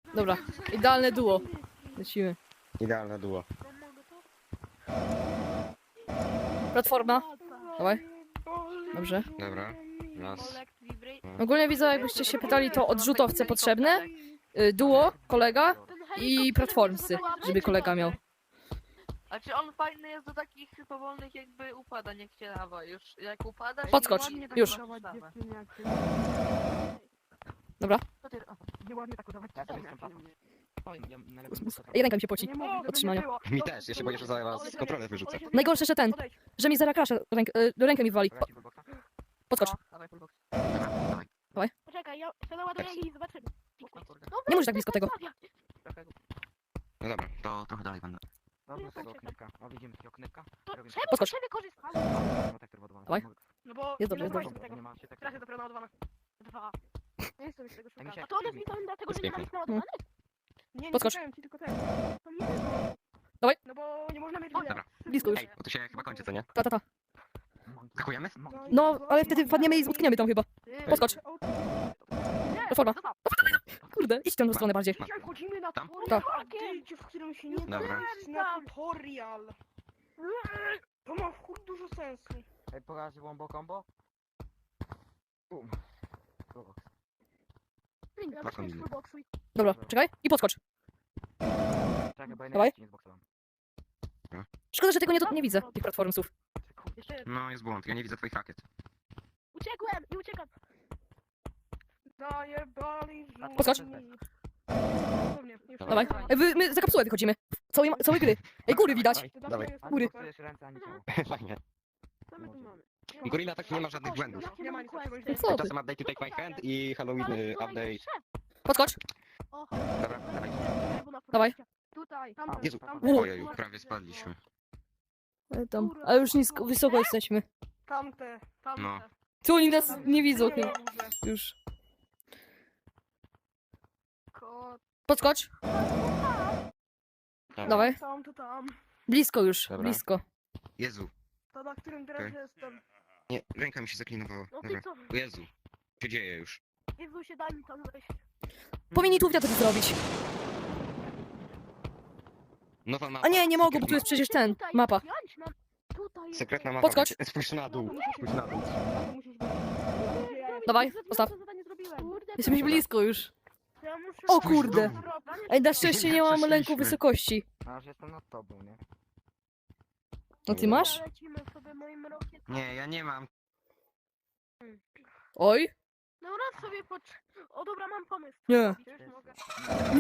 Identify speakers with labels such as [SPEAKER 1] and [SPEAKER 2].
[SPEAKER 1] Dobra, idealne duo. Lecimy.
[SPEAKER 2] Idealne duo.
[SPEAKER 1] Platforma. Dawaj. Dobrze.
[SPEAKER 2] Dobra. Raz.
[SPEAKER 1] Ogólnie widzę, jakbyście się pytali, to odrzutowce potrzebne. Duo, kolega i platformsy, żeby kolega miał.
[SPEAKER 3] Znaczy on fajny jest do takich powolnych jakby upadań, jak się lawa już. Jak upada się
[SPEAKER 1] Podskocz,
[SPEAKER 3] ładnie, tak
[SPEAKER 1] już.
[SPEAKER 3] samo wstawę.
[SPEAKER 1] Dobra.
[SPEAKER 3] Co ty-
[SPEAKER 4] Nieładnie tak udawać.
[SPEAKER 1] Ej, ręka mi się poci. Od trzymania.
[SPEAKER 2] Mi też, ja się boję, że zaraz kontrolę wyrzucę.
[SPEAKER 1] Najgorsze, że ten, że mi zarakrasza rękę mi wali. Podskocz.
[SPEAKER 3] No, dawaj fullbox.
[SPEAKER 4] Poczekaj, ja to naładuję i zobaczymy.
[SPEAKER 3] O kurde.
[SPEAKER 1] Nie możesz tak blisko tego.
[SPEAKER 3] Trochę go-
[SPEAKER 2] No dobra, to trochę dalej będę.
[SPEAKER 5] Dobra, tego oknyka. O, widzimy takiego oknyka. Robimy
[SPEAKER 4] Czemu
[SPEAKER 1] Podskocz.
[SPEAKER 4] się wykorzystać?
[SPEAKER 5] protektor wodowany.
[SPEAKER 1] Dawaj.
[SPEAKER 4] No bo
[SPEAKER 1] Jest dobrze,
[SPEAKER 4] nie
[SPEAKER 1] jest
[SPEAKER 4] nazwałeś
[SPEAKER 1] dobrze.
[SPEAKER 4] tego.
[SPEAKER 5] Nie ma się tak.
[SPEAKER 4] Teraz jest dopiero naładowana. 2. Nie chcę mi się tego
[SPEAKER 5] mi
[SPEAKER 4] szukać.
[SPEAKER 5] się-
[SPEAKER 4] A to one zniknąłem dlatego, że nie
[SPEAKER 2] Pięknie.
[SPEAKER 4] ma ich naładowanych? Nie, nie
[SPEAKER 1] Podskocz.
[SPEAKER 4] słyszałem ci tylko ten. To nie
[SPEAKER 1] Dawaj.
[SPEAKER 4] No bo nie można mieć
[SPEAKER 2] Dobra.
[SPEAKER 1] Blisko już.
[SPEAKER 2] Ej, bo to się chyba kończy, co nie?
[SPEAKER 1] Ta.
[SPEAKER 2] Skakujemy?
[SPEAKER 1] No, ale wtedy wpadniemy i utkniemy tam chyba. Podskocz. Platforma. Kurde, idź w tę stronę bardziej.
[SPEAKER 4] Dzisiaj wchodzimy na
[SPEAKER 2] Tam?
[SPEAKER 4] tutorial, w którym się nie
[SPEAKER 2] Dobra.
[SPEAKER 4] da na tutorial. To ma w chuj dużo sensu.
[SPEAKER 5] Ej, poraży wombo combo? Bum. Fullbox.
[SPEAKER 2] Dwa kombiny.
[SPEAKER 1] Dobra, czekaj. I podskocz.
[SPEAKER 5] Czekaj, bo ja
[SPEAKER 1] Dawaj.
[SPEAKER 5] nie zboksowałem.
[SPEAKER 1] Szkoda, że tego nie widzę, tych platformsów.
[SPEAKER 4] Jeszcze jeden.
[SPEAKER 2] No, jest błąd, ja nie widzę twoich rakiet.
[SPEAKER 4] Uciekłem i uciekam. Zajebali
[SPEAKER 1] Podskocz.
[SPEAKER 4] Dosłownie, już
[SPEAKER 1] Dawaj.
[SPEAKER 4] tak.
[SPEAKER 1] Ej, my za kapsułę wychodzimy. Całej gry. Ej, góry widać.
[SPEAKER 4] To
[SPEAKER 2] Dawaj.
[SPEAKER 4] jest-
[SPEAKER 1] Góry.
[SPEAKER 5] Boksujesz ręce ani ciało.
[SPEAKER 2] Fajnie.
[SPEAKER 4] Co my tu mamy?
[SPEAKER 2] Gorilla tak nie ma żadnych błędów.
[SPEAKER 4] Nie ma nic takiego.
[SPEAKER 1] Co ty?
[SPEAKER 2] Czasem update to take my hand i Halloween update.
[SPEAKER 1] Podskocz.
[SPEAKER 2] Dobra, dawaj.
[SPEAKER 1] Dawaj.
[SPEAKER 4] Tutaj,
[SPEAKER 2] Jezu,
[SPEAKER 1] U.
[SPEAKER 2] ojeju, prawie spadliśmy.
[SPEAKER 1] Tam. Ale już nisko, wysoko jesteśmy.
[SPEAKER 4] tamte, tamte.
[SPEAKER 2] No.
[SPEAKER 1] Tu oni nas nie widzą.
[SPEAKER 4] Nie ma górze.
[SPEAKER 1] Już.
[SPEAKER 4] Kot,
[SPEAKER 1] Podskocz.
[SPEAKER 2] Dobra.
[SPEAKER 1] Dawaj.
[SPEAKER 4] tam, to tam.
[SPEAKER 1] Blisko już,
[SPEAKER 2] Dobra.
[SPEAKER 1] blisko.
[SPEAKER 2] Jezu,
[SPEAKER 4] To na którym teraz
[SPEAKER 2] Okej.
[SPEAKER 4] jestem.
[SPEAKER 2] nie, ręka mi się zaklinowała.
[SPEAKER 4] No
[SPEAKER 2] Dobra.
[SPEAKER 4] ty co?
[SPEAKER 2] O Jezu, co się dzieje już?
[SPEAKER 4] Jezu się daj mi tam wejść.
[SPEAKER 1] Powinni tu wiatr zrobić.
[SPEAKER 2] Nowa mapa.
[SPEAKER 1] A nie mogą, bo tu jest przecież ten,
[SPEAKER 4] Tutaj,
[SPEAKER 1] mapa.
[SPEAKER 4] wziąć nam. Tutaj jest.
[SPEAKER 2] Sekretna mapa.
[SPEAKER 1] Podskocz.
[SPEAKER 2] będzie. Spójrz na dół, spójrz na dół.
[SPEAKER 4] To musisz być.
[SPEAKER 1] Dawaj, postaw. Jesteśmy blisko już.
[SPEAKER 4] Ja muszę...
[SPEAKER 1] O kurde.
[SPEAKER 4] Dobra,
[SPEAKER 1] Ej, na szczęście nie mam lęku
[SPEAKER 2] Przeszliśmy.
[SPEAKER 1] wysokości.
[SPEAKER 5] A, że jestem nad tobą, nie?
[SPEAKER 1] No ty masz?
[SPEAKER 4] Lecimy sobie moim rokiem.
[SPEAKER 2] Nie, ja nie mam.
[SPEAKER 1] Oj.
[SPEAKER 4] Dobra, sobie O dobra, mam pomysł.
[SPEAKER 1] Nie.
[SPEAKER 4] Już mogę.